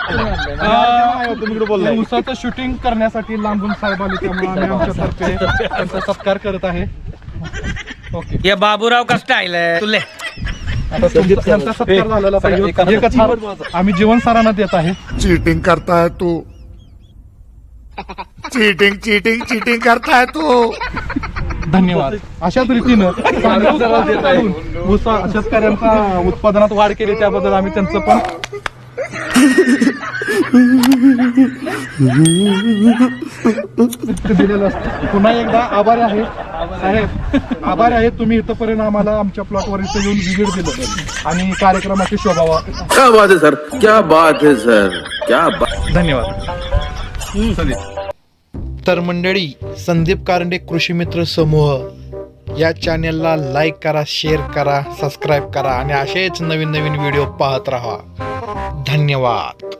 उसाचं शूटिंग करण्यासाठी लांबून साहेब आले, त्यामुळे आम्ही आमच्यातर्फे त्यांचा सत्कार करत आहे. ओके, ये बाबूराव का स्टाईल आहे तुले. आता त्यांचा सत्कार झालेला पाहिजे. एकच हार आम्ही जीवन सरांना देत आहे. चीटिंग करता है तू, चीटिंग चीटिंग चीटिंग करता है तू. धन्यवाद. अशाच रीतीनं शेतकऱ्यांचा उत्पादनात वाढ केली त्याबद्दल आम्ही त्यांचं पण दिलेलं असतं. पुन्हा एकदा आभारी आहे साहेब, आभारी आहे तुम्ही इथपर्यंत आम्हाला आमच्या प्लॉटवर इथं येऊन व्हिजिट दिलं आणि कार्यक्रमाची शोभा. क्या बात है सर, क्या बात है सर, क्या बात. धन्यवाद. तर मंडळी, संदीप कारंडे कृषी मित्र समूह या चॅनेलला लाईक करा, शेअर करा, सबस्क्राईब करा आणि असेच नवीन नवीन व्हिडिओ पाहत राहा. धन्यवाद.